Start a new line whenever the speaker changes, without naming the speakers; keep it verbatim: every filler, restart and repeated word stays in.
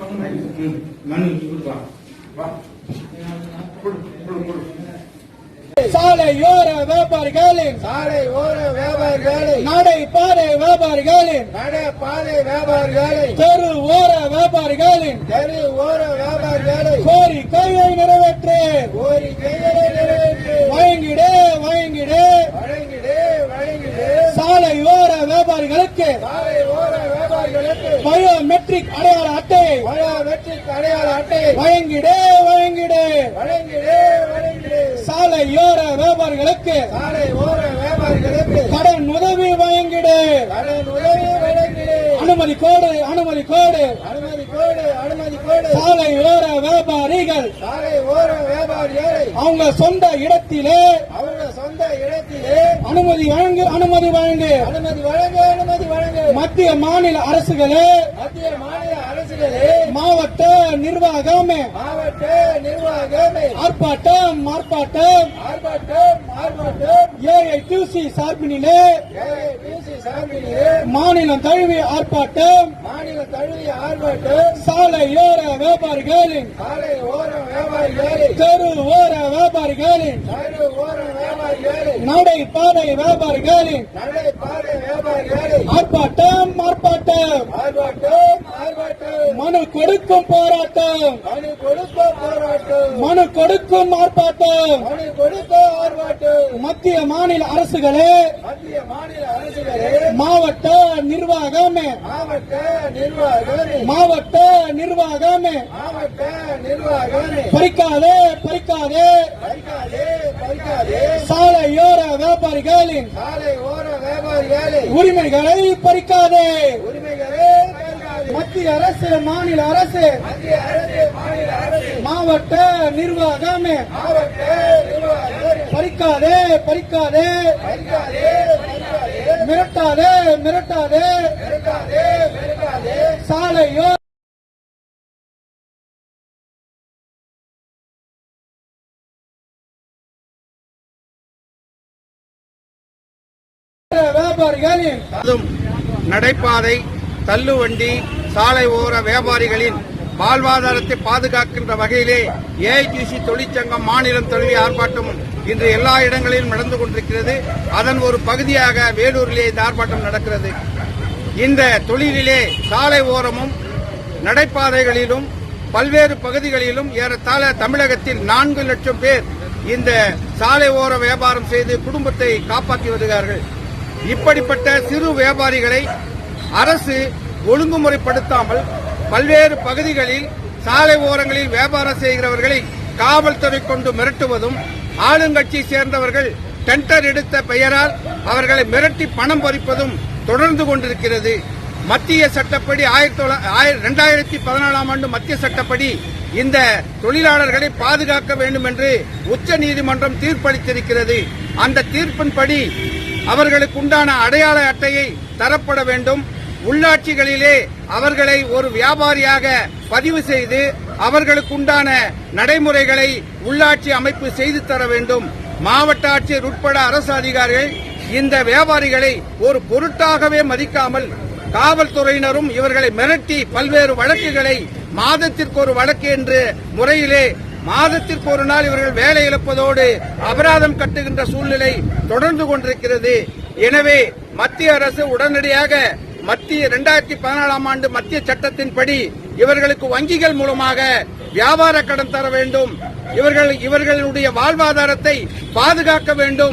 சாலையோர வியாபாரிகளின்
சாலையோர வியாபாரிகளை
நடை பாதை வியாபாரிகளின்
நடை பாதை வியாபாரிகளை
தெரு ஓர வியாபாரிகளின்
தெரு ஓர வியாபாரிகளை
கோரிக்கையை நிறைவேற்று
கோரிக்கைகளை நிறைவேற்று
வழங்கிடு வழங்கிடு
வழங்கிடு வழங்கிடு
சாலையோர வியாபாரிகளுக்கு
சாலை ஓர வியாபாரிகளுக்கு
பயோமெட்ரிக் அடையாள அட்டையை
பயோமெட்ரிக் அடையாள அட்டையை
வழங்கிடு வழங்கிடு
வழங்கிடு வழங்கிடு
சாலையோர வியாபாரிகளுக்கு
சாலை ஓர வியாபாரிகளுக்கு
கடன் உதவி வழங்கிடு
கடன் உதவி வழங்கிடு
அனுமதி கோடு அனுமதி கோடு
அனுமதி கோடு அனுமதி கோடு
சாலையோர வியாபாரிகள்
சாலை ஓர வியாபாரிகளை
அவங்க சொந்த இடத்திலே
அவர்கள் சொந்த இடத்திலே
அனுமதி வழங்கு அனுமதி வழங்கு
அனுமதி வழங்க அனுமதி வழங்க
மத்திய மாநில அரசுகளே
மத்திய மாநில அரசுகளே
மாவட்ட நிர்வாகமே
மாவட்ட நிர்வாகமே
ஆர்ப்பாட்டம் ஆர்ப்பாட்டம்
ஆர்ப்பாட்டம் ஆர்ப்பாட்டம்
ஏஐடியூசி சார்பினிலே
ஏஐடியூசி சார்பிலே
மாநிலம் தழுவிய ஆர்ப்பாட்டம்
மாநில தழுவிய ஆர்ப்பாட்டம்
சாலையோர வியாபாரிகளின்
சாலை ஓர வியாபாரிகளை
தெரு ஓர வியாபாரிகளின்
சாலை ஓர வியாபாரிகளை
நடை பாதை வியாபாரிகளின்
நடை பாதை வியாபாரிகளை
ஆர்ப்பாட்டம் ஆர்ப்பாட்டம்
ஆர்ப்பாட்டம் ஆர்ப்பாட்டம்
மனு கொடுக்கும் போராட்டம்
மனு கொடுக்க போராட்டம்
மனு கொடுக்கும் ஆர்ப்பாட்டம்
மனு கொடுக்க ஆர்ப்பாட்டம்
மத்திய மாநில அரசுகளே
மத்திய மாநில அரசுகளே
மாவட்ட நிர்வாகமே
மாவட்ட நிர்வாகமே
மாவட்ட நிர்வாகமே
மாவட்ட நிர்வாகமே
பறிக்காதே பறிக்காதே
பறிக்காதே பறிக்காதே
சாலையோர வியாபாரிகளின்
சாலை ஓர வியாபாரிகளை
உரிமைகளை பறிக்காதே
உரிமைகளே பறிக்காதே
மத்திய அரசு மாநில அரசு
மத்திய அரசு மாநில அரசு
மாவட்ட நிர்வாகமே
மாவட்ட நிர்வாகமே
பறிக்காதே பறிக்காதே
பறிக்காதே பறிக்காதே
மிரட்டாதே மிரட்டாதே
பெருக்காதே பெருக்காதே
சாலையோ வியாபாரிகளின்
நடைபாதை தள்ளுவண்டி சாலை ஓர வியாபாரிகளின் வாழ்வாதாரத்தை பாதுகாக்கின்ற வகையிலே ஏஐடியூசி தொழிற்சங்கம் மாநிலம் தழுவிய ஆர்ப்பாட்டம் இன்று எல்லா இடங்களிலும் நடந்து கொண்டிருக்கிறது. அதன் ஒரு பகுதியாக வேலூரிலே இந்த ஆர்ப்பாட்டம் நடக்கிறது. இந்த தொழிலிலே சாலை ஓரமும் நடைபாதைகளிலும் பல்வேறு பகுதிகளிலும் ஏறத்தாழ தமிழகத்தில் நான்கு லட்சம் பேர் இந்த சாலை ஓர வியாபாரம் செய்து குடும்பத்தை காப்பாற்றி வருகிறார்கள். இப்படிப்பட்ட சிறு வியாபாரிகளை அரசு ஒழுங்குமுறைப்படுத்தாமல் பல்வேறு பகுதிகளில் சாலை ஓரங்களில் வியாபாரம் செய்கிறவர்களை காவல்துறை கொண்டு மிரட்டுவதும் ஆளுங்கட்சியை சேர்ந்தவர்கள் டெண்டர் எடுத்த பெயரால் அவர்களை மிரட்டி பணம் பறிப்பதும் தொடர்ந்து கொண்டிருக்கிறது. மத்திய சட்டப்படி இரண்டாயிரத்தி பதினாலாம் ஆண்டு மத்திய சட்டப்படி இந்த தொழிலாளர்களை பாதுகாக்க வேண்டும் என்று உச்ச நீதிமன்றம் தீர்ப்பளித்திருக்கிறது. அந்த தீர்ப்பின்படி அவர்களுக்கு உண்டான அடையாள அட்டையை தரப்பட வேண்டும். உள்ளாட்சிகளிலே அவர்களை ஒரு வியாபாரியாக பதிவு செய்து அவர்களுக்கு உண்டான நடைமுறைகளை உள்ளாட்சி அமைப்பு செய்து தர வேண்டும். மாவட்ட ஆட்சியர் உட்பட அரசு அதிகாரிகள் இந்த வியாபாரிகளை ஒரு பொருட்டாகவே மதிக்காமல் காவல்துறையினரும் இவர்களை மிரட்டி பல்வேறு வழக்குகளை மாதத்திற்கு ஒரு வழக்கு என்று முறையிலே மாதத்திற்கு ஒரு நாள் இவர்கள் வேலை இழப்பதோடு அபராதம் கட்டுகின்ற சூழ்நிலை தொடர்ந்து கொண்டிருக்கிறது. எனவே மத்திய அரசு உடனடியாக மத்திய இரண்டாயிரத்தி பதினாலாம் ஆண்டு மத்திய சட்டத்தின்படி இவர்களுக்கு வங்கிகள் மூலமாக வியாபார கடன் தர வேண்டும். இவர்கள் இவர்களுடைய வாழ்வாதாரத்தை பாதுகாக்க வேண்டும்.